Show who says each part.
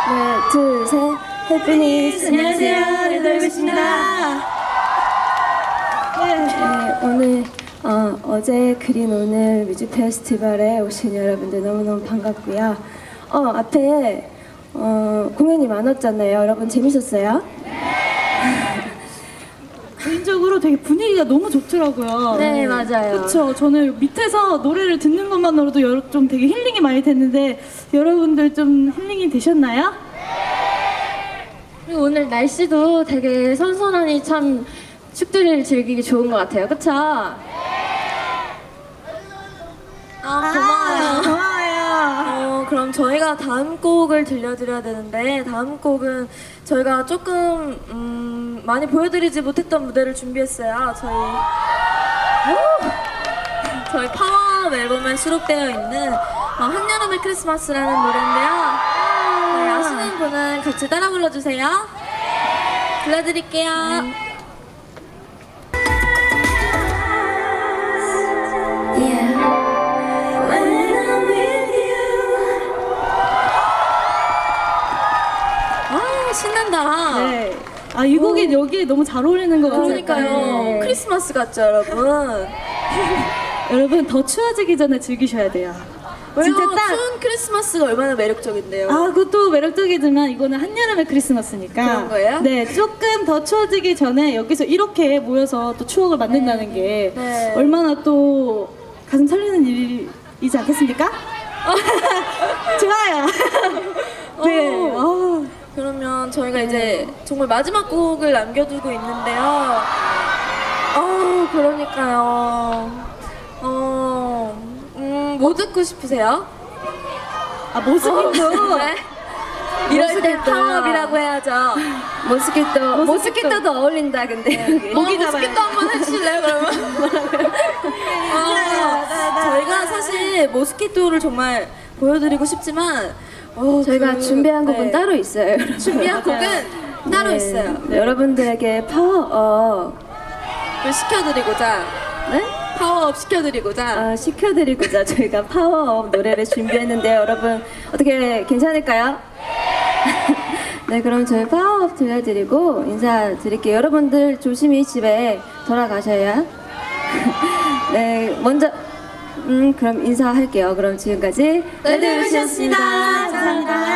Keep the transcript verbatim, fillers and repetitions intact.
Speaker 1: 네, 둘, 셋. 해피니스.
Speaker 2: 안녕하세요, 레드벨벳입니다.
Speaker 1: 네, 오늘 어, 어제 그린 오늘 뮤직 페스티벌에 오신 여러분들 너무너무 반갑고요. 어, 앞에 어, 공연이 많았잖아요. 여러분 재밌었어요?
Speaker 2: 개인적으로 되게 분위기가 너무 좋더라고요.
Speaker 1: 네, 맞아요.
Speaker 2: 그렇죠. 저는 밑에서 노래를 듣는 것만으로도 여러- 좀 되게 힐링이 많이 됐는데 여러분들 좀 힐링이 되셨나요?
Speaker 3: 그리고 오늘 날씨도 되게 선선하니 참 축제를 즐기기 좋은 것 같아요. 그쵸? 아, 고마워요.
Speaker 2: 고마워요.
Speaker 3: 어, 그럼 저희가 다음 곡을 들려드려야 되는데 다음 곡은 저희가 조금 음, 많이 보여드리지 못했던 무대를 준비했어요. 저희 저희 파워 앨범에 수록되어 있는 어, 한여름의 크리스마스라는 노래인데요. 네, 아시는 분은 같이 따라 불러주세요. 불러드릴게요. 아, 신난다.
Speaker 2: 네. 아, 이 곡이 여기에 너무 잘 어울리는 것 같아요.
Speaker 3: 그러니까요.
Speaker 2: 네.
Speaker 3: 크리스마스 같죠, 여러분?
Speaker 2: 여러분 더 추워지기 전에 즐기셔야 돼요.
Speaker 3: 왜요?
Speaker 2: 진짜 딱
Speaker 3: 추운 크리스마스가 얼마나 매력적인데요.
Speaker 2: 아, 그것도 매력적이지만 이거는 한여름의 크리스마스니까.
Speaker 3: 그런 거예요?
Speaker 2: 네, 조금 더 추워지기 전에 여기서 이렇게 모여서 또 추억을 만든다는 게
Speaker 3: 네.
Speaker 2: 얼마나 또 가슴 설레는 일이지 않겠습니까? 좋아요. 네.
Speaker 3: 어.
Speaker 2: 어.
Speaker 3: 그러면 저희가 이제 정말 마지막 곡을 남겨두고 있는데요. 어, 그러니까요. 어, 음, 뭐 듣고 싶으세요?
Speaker 2: 아, 모습도
Speaker 3: 네? 이럴 때
Speaker 1: 모스키토요.
Speaker 3: 파워업이라고 해야죠.
Speaker 1: 모스키토. 모스키토도 어울린다, 근데. 여기.
Speaker 3: 어, 모스키토 한번 해주실래요, 그러면? 어, 저희가 사실 모스키토를 정말 보여드리고 싶지만 어,
Speaker 1: 저희가
Speaker 3: 그-
Speaker 1: 준비한 곡은
Speaker 3: 네.
Speaker 1: 따로 있어요, 여러분.
Speaker 3: 준비한 곡은 따로
Speaker 1: 네.
Speaker 3: 있어요.
Speaker 1: 네, 여러분들에게 파워업
Speaker 3: 그걸 시켜드리고자
Speaker 1: 네?
Speaker 3: 파워업 시켜드리고자
Speaker 1: 아, 시켜드리고자 저희가 파워업 노래를 준비했는데요. 여러분 어떻게 괜찮을까요? 네, 그럼 저희 파워업 들려드리고 인사드릴게요. 여러분들 조심히 집에 돌아가셔야. 네, 먼저 음 그럼 인사할게요. 그럼 지금까지
Speaker 3: 레드벨벳이었습니다.
Speaker 1: 감사합니다.